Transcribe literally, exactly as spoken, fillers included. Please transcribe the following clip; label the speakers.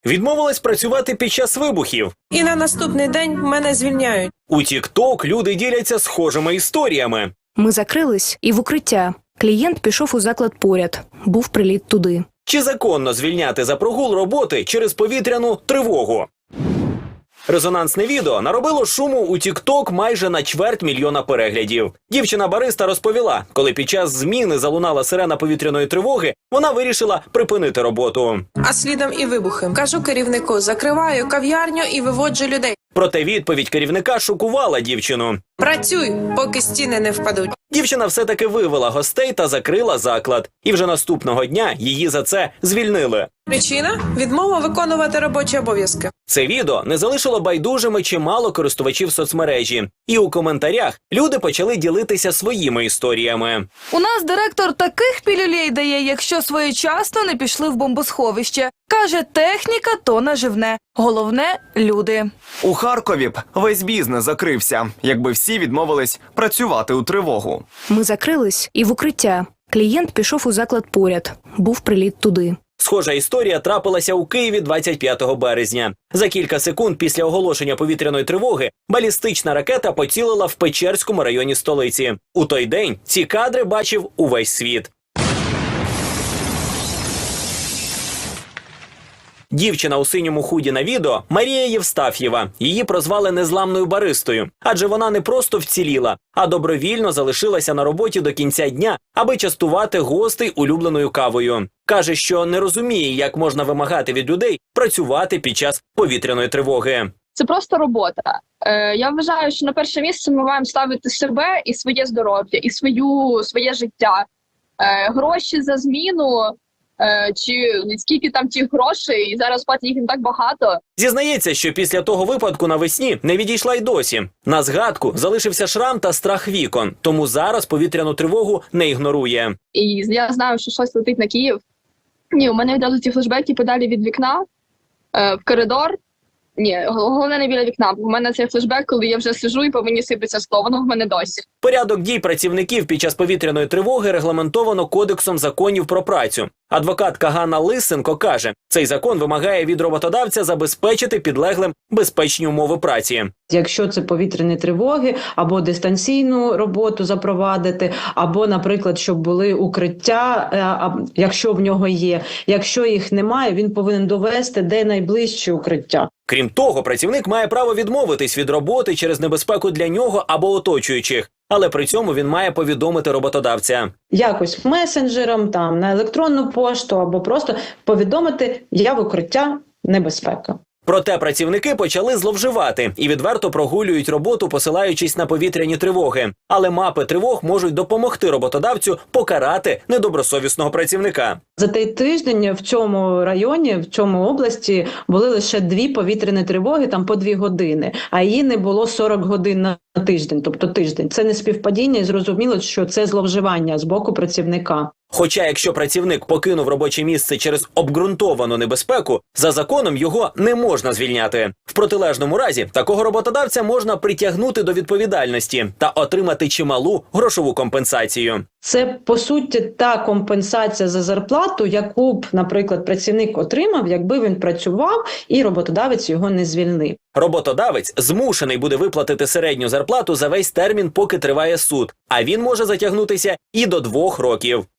Speaker 1: Відмовилась працювати під час вибухів.
Speaker 2: І на наступний день мене звільняють.
Speaker 1: У тік-ток люди діляться схожими історіями.
Speaker 3: Ми закрились і в укриття. Клієнт пішов у заклад поряд. Був приліт туди.
Speaker 1: Чи законно звільняти за прогул роботи через повітряну тривогу? Резонансне відео наробило шуму у тік-ток майже на чверть мільйона переглядів. Дівчина-бариста розповіла, коли під час зміни залунала сирена повітряної тривоги, вона вирішила припинити роботу.
Speaker 2: А слідом і вибухи. Кажу керівнику, закриваю кав'ярню і виводжу людей.
Speaker 1: Проте відповідь керівника шокувала дівчину.
Speaker 2: Працюй, поки стіни не впадуть.
Speaker 1: Дівчина все-таки вивела гостей та закрила заклад. І вже наступного дня її за це звільнили.
Speaker 2: Причина – відмова виконувати робочі обов'язки.
Speaker 1: Це відео не залишило байдужими чимало користувачів соцмережі. І у коментарях люди почали ділитися своїми історіями.
Speaker 4: У нас директор таких пілюлей дає, якщо своєчасно не пішли в бомбосховище. Каже, техніка то наживне. Головне – люди.
Speaker 5: У Харкові б весь бізнес закрився, якби всі відмовились працювати у тривогу.
Speaker 3: Ми закрились і в укриття. Клієнт пішов у заклад поряд. Був приліт туди.
Speaker 1: Схожа історія трапилася у Києві двадцять п'ятого березня. За кілька секунд після оголошення повітряної тривоги балістична ракета поцілила в Печерському районі столиці. У той день ці кадри бачив увесь світ. Дівчина у синьому худі на відео – Марія Євстаф'єва. Її прозвали незламною баристою. Адже вона не просто вціліла, а добровільно залишилася на роботі до кінця дня, аби частувати гостей улюбленою кавою. Каже, що не розуміє, як можна вимагати від людей працювати під час повітряної тривоги.
Speaker 6: Це просто робота. Е, я вважаю, що на перше місце ми маємо ставити себе і своє здоров'я, і свою, своє життя. Е, гроші за зміну, е, чи скільки там тих грошей, і зараз платять їх не так багато.
Speaker 1: Зізнається, що після того випадку навесні не відійшла й досі. На згадку залишився шрам та страх вікон, тому зараз повітряну тривогу не ігнорує.
Speaker 6: І я знаю, що щось летить на Київ. Ні, у мене відразу ці флешбеки подалі від вікна, е, в коридор. Ні, головне не біля вікна. У мене цей флешбек, коли я вже сиджу і по мені сипеться скло, воно в мене досі.
Speaker 1: Порядок дій працівників під час повітряної тривоги регламентовано Кодексом законів про працю. Адвокатка Ганна Лисенко каже, цей закон вимагає від роботодавця забезпечити підлеглим безпечні умови праці.
Speaker 7: Якщо це повітряні тривоги, або дистанційну роботу запровадити, або, наприклад, щоб були укриття, якщо в нього є. Якщо їх немає, він повинен довести, де найближче укриття.
Speaker 1: Крім того, працівник має право відмовитись від роботи через небезпеку для нього або оточуючих. Але при цьому він має повідомити роботодавця.
Speaker 7: Якось месенджером, там, на електронну пошту, або просто повідомити, я в укриття, небезпека.
Speaker 1: Проте працівники почали зловживати і відверто прогулюють роботу, посилаючись на повітряні тривоги. Але мапи тривог можуть допомогти роботодавцю покарати недобросовісного працівника.
Speaker 7: За той тиждень в цьому районі, в цьому області були лише дві повітряні тривоги, там по дві години, а її не було сорок годин на тиждень, тобто тиждень. Це не співпадіння і зрозуміло, що це зловживання з боку працівника.
Speaker 1: Хоча якщо працівник покинув робоче місце через обґрунтовану небезпеку, за законом його не можна звільняти. В протилежному разі такого роботодавця можна притягнути до відповідальності та отримати чималу грошову компенсацію.
Speaker 7: Це, по суті, та компенсація за зарплату, яку б, наприклад, працівник отримав, якби він працював і роботодавець його не звільнив.
Speaker 1: Роботодавець змушений буде виплатити середню зарплату за весь термін, поки триває суд, а він може затягнутися і до двох років.